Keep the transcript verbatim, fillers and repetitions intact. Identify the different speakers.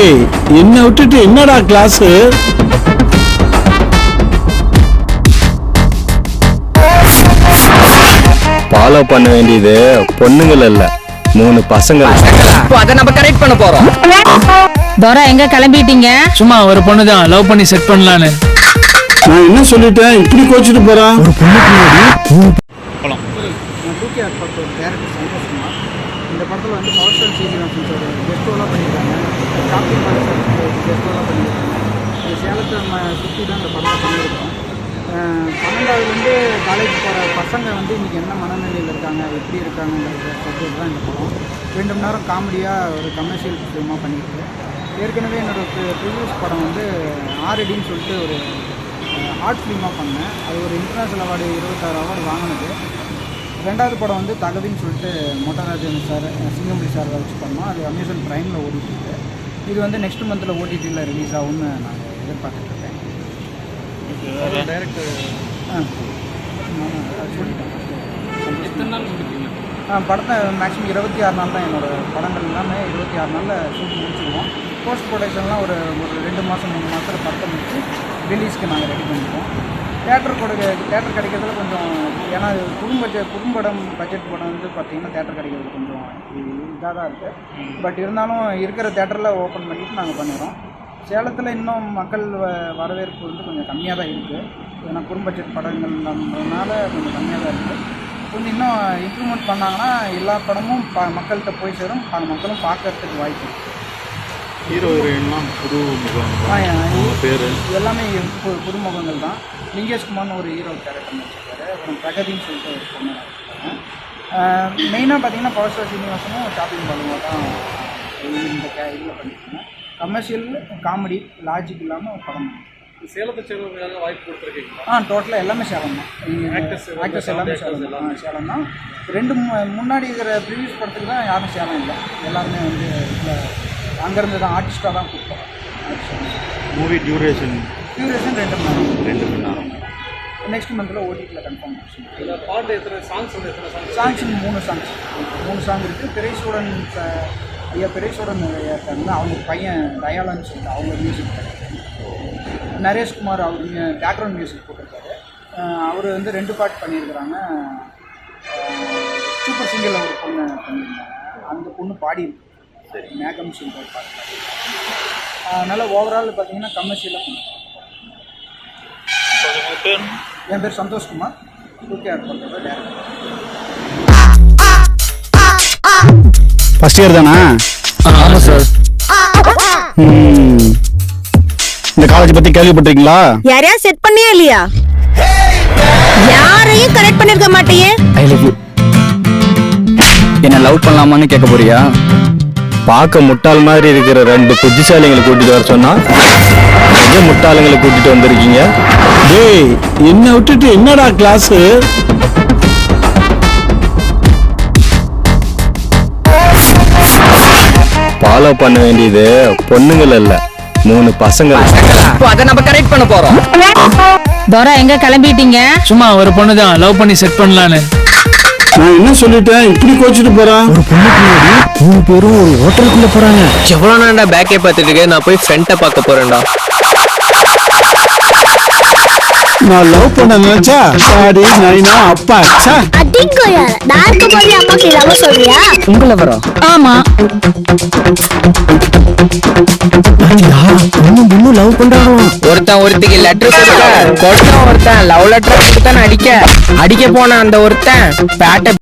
Speaker 1: டேய் என்ன விட்டுட்டு என்னடா கிளாஸ்?
Speaker 2: ஃபாலோ பண்ண வேண்டியது பொண்ணுங்கள் இல்ல, மூணு பசங்க.
Speaker 3: அத நம்ம கரெக்ட் பண்ண போறோம்.
Speaker 4: தோரா எங்க கிளம்பிட்டீங்க?
Speaker 5: சும்மா ஒரு பொண்ணு தான் லவ் பண்ணி செட் பண்ணலான்னு.
Speaker 1: நான் என்ன சொல்லிட்டேன் இப்படி கோச்சிட்டு போறான்? ஒரு பொண்ணு
Speaker 6: போலாம். தூக்கி ஆட்பாட்டு ஒரு டேரக்டர் சந்தோஷமா இந்த படத்தில் வந்து பவர் ஸ்டார் சீனிவாசன் சார் கெஸ்டோலாம் பண்ணியிருக்காங்க. காப்பி பாலசர் கெஸ்டோலாம் பண்ணியிருக்காங்க. இந்த சேலத்தை நம்ம சுற்றி தான் இந்த படத்தை பண்ணியிருக்கோம். பன்னெண்டாவதுலேருந்து காலேஜ் போகிற பசங்க வந்து இன்றைக்கி என்ன மனநிலையில் இருக்காங்க, எப்படி இருக்காங்கங்கிற சப்ஜெக்ட் தான் இந்த படம். ரெண்டு மணி நேரம் காமெடியாக ஒரு கமர்ஷியல் ஃபிலிமாக பண்ணியிருக்கு. ஏற்கனவே என்னோடய ப்ரீவியஸ் படம் வந்து ஆர்டின்னு சொல்லிட்டு ஒரு ஆர்ட் ஃபிலிமாக பண்ணேன். அது ஒரு இன்டர்நேஷ்னல் அவார்டு இருபத்தாறு அவார்டு வாங்கினது. ரெண்டாவது படம் வந்து தகதின்னு சொல்லிட்டு மோட்டராஜன் சார் சிங்கம்புலி சார் வச்சு பண்ணோம். அது அமேசான் ப்ரைமில் ஓடிட்டு. இது வந்து நெக்ஸ்ட் மந்தில் ஓடிடியில் ரிலீஸ் ஆகும்னு நான் எதிர்பார்த்துட்ருக்கேன். டைரக்டர் ஆ சொல்லிட்டேன். எத்தனை நாள் முடிப்பீங்க? ஆ படத்தை மேக்ஸிமம் இருபத்தி ஆறு நாள் தான். என்னோடய படங்கள் எல்லாமே இருபத்தி ஆறு நாளில் ஷூட் முடிச்சுடுவோம். போஸ்ட் ப்ரொடக்ஷன்லாம் ஒரு ஒரு ரெண்டு மாதம் மூணு மாதத்தில் படத்தை முடிச்சு ரிலீஸ்க்கு நாங்கள் ரெடி பண்ணிப்போம். தேட்டர் கொடு தேட்டர் கிடைக்கிறதுல கொஞ்சம், ஏன்னா குடும்ப பட்ஜெட் குடும்படம் பட்ஜெட் படம் வந்து பார்த்திங்கன்னா தேட்டர் கிடைக்கிறது கொஞ்சம் இதாக தான் இருக்குது. பட் இருந்தாலும் இருக்கிற தேட்டரில் ஓப்பன் பண்ணிவிட்டு நாங்கள் பண்ணிடுறோம். சேலத்தில் இன்னும் மக்கள் வ வரவேற்பு வந்து கொஞ்சம் கம்மியாக தான் இருக்குது. ஏன்னா குடும்ப பட்ஜெட் படங்கள்ன்றதுனால கொஞ்சம் கம்மியாக தான் இருக்குது. கொஞ்சம் இன்னும் இம்ப்ரூவ்மெண்ட் பண்ணாங்கன்னா எல்லா படமும் ப மக்கள்கிட்ட போய் சேரும், மக்களும் பார்க்கறதுக்கு வாய்ப்பு.
Speaker 7: ஹீரோ ஹீரோயின்லாம் புது முகம் பேர்
Speaker 6: எல்லாமே பு புதுமுகங்கள் தான். லிங்கேஷ்குமார்னு ஒரு ஹீரோ கேரக்டர் வச்சுருக்காரு. அப்புறம் பிரகதின்னு சொல்லிட்டு ஒரு பொண்ணு வச்சுருக்காங்க. மெயினாக பார்த்தீங்கன்னா பவர் ஸ்டார் சீனிவாசனும் ஷாப்பிங் பண்ணுவோம் தான் இந்த கே இதில் பண்ணியிருக்காங்க. கமர்ஷியல் காமெடி லாஜிக் இல்லாமல் படம்.
Speaker 7: சேலத்தை சேர்ந்தவங்க வாய்ப்பு கொடுத்துருக்கீங்களா?
Speaker 6: ஆ டோட்டலாக எல்லாமே சேலம் தான். ஆக்டர்ஸ் எல்லாமே சேலம் தான். சேலம் தான். ரெண்டு முன்னாடி இருக்கிற ப்ரீவியஸ் படத்துக்கு தான் யாரும் சேலம் இல்லை. எல்லாருமே வந்து அங்கேருந்து தான் ஆர்டிஸ்டாக தான் கூப்பிட்டோம்.
Speaker 7: மூவி டியூரேஷன்
Speaker 6: டியூரேஷன் ரெண்டு மணி நேரம்
Speaker 7: ரெண்டு மணி நேரம்
Speaker 6: நெக்ஸ்ட் மந்தில் ஓடிடியில் கன்ஃபார்ம் ஆச்சு.
Speaker 7: இதில் பாட்டு எத்தனை சாங்ஸ் வந்து எத்தனை சாங்ஸ்?
Speaker 6: சாங்ஸ் மூணு சாங்ஸ் மூணு சாங் இருக்குது. பெரியசூடன் ஐயா பெரியசூடன் இருக்காங்க. அவங்க பையன் தயாளன்னு சொல்லிட்டு அவங்க மியூசிக் நரேஷ்குமார் அவர் பேக்ரவுண்ட் மியூசிக் போட்டிருக்காரு. அவர் வந்து ரெண்டு பாட்டு பண்ணியிருக்கிறாங்க. சூப்பர் சிங்கரில் ஒரு பொண்ணு பண்ணியிருந்தாங்க. அந்த பொண்ணு பாடியிருக்கு. சரி மேகம் சொல்லிட்டு ஒரு பாட்டு பாடியிருக்காங்க. அதனால் ஓவரால் பார்த்தீங்கன்னா கமர்ஷியலாக பண்ணுறோம். என் பேர் சந்தோஷ்குமார். ஓகே ஆட் பண்ணுறது டேரக்டர்.
Speaker 1: ஃபர்ஸ்ட் இயர் தானா?
Speaker 5: ஆமாம் சார்.
Speaker 1: இந்த காலேஜ் பத்தி கேள்விப்பட்டிருக்கீங்களா?
Speaker 4: யாரையா செட் பண்ணியே இல்லையா? யாரையும் கரெக்ட் பண்ணிருக்க மாட்டியே.
Speaker 3: I love you. என்ன லவ் பண்ணலாமான்னு கேட்க போறியா?
Speaker 2: பார்க்க முட்டாள் மாதிரி இருக்கிற ரெண்டு புத்திசாலிங்களை கூட்டிட்டு வர சொன்னா அதே முட்டாளுங்களை கூட்டிட்டு வந்திருக்கீங்க.
Speaker 1: டேய் என்ன விட்டுட்டு என்னடா கிளாஸ்?
Speaker 2: ஃபாலோ பண்ண வேண்டியது பொண்ணுங்கள் இல்ல, மூணு பசங்க.
Speaker 3: அத நம்ம கரெக்ட் பண்ண போறோம்.
Speaker 4: தோரா எங்க கிளம்பிட்டீங்க?
Speaker 5: சும்மா ஒரு பொண்ணு தான் லவ் பண்ணி செட் பண்ணலான்னு.
Speaker 1: நான் என்ன சொல்லிட்டேன் இப்படி கோச்சிட்டு போறான்? ஒரு பொண்ணு மூணு பேரும் ஒரு ஹோட்டலுக்குள்ள போறாங்க.
Speaker 3: எவ்வளவு நான்டா பேக்கே பார்த்துட்டு இருக்கேன். நான் போய் ஃப்ரெண்ட்டை பார்க்க போறேன்டா.
Speaker 1: நான் லவ் பண்ண நினைச்சா சாடி நைனா அப்பா சா
Speaker 8: அடிங்கோயா டார்க் போய் அம்மாக்கு லவ் சொல்றியா?
Speaker 3: உங்கள வரோம்.
Speaker 4: ஆமா.
Speaker 1: லவ் பண்றானோ?
Speaker 3: ஒருத்தன் ஒருத்திக்கு லெட்டர் கொடுக்க, கொடுத்தா ஒருத்தன் லவ் லெட்டர் கொடுத்தான்னு அடிக்க அடிக்க போன அந்த ஒருத்தன் பேட்டை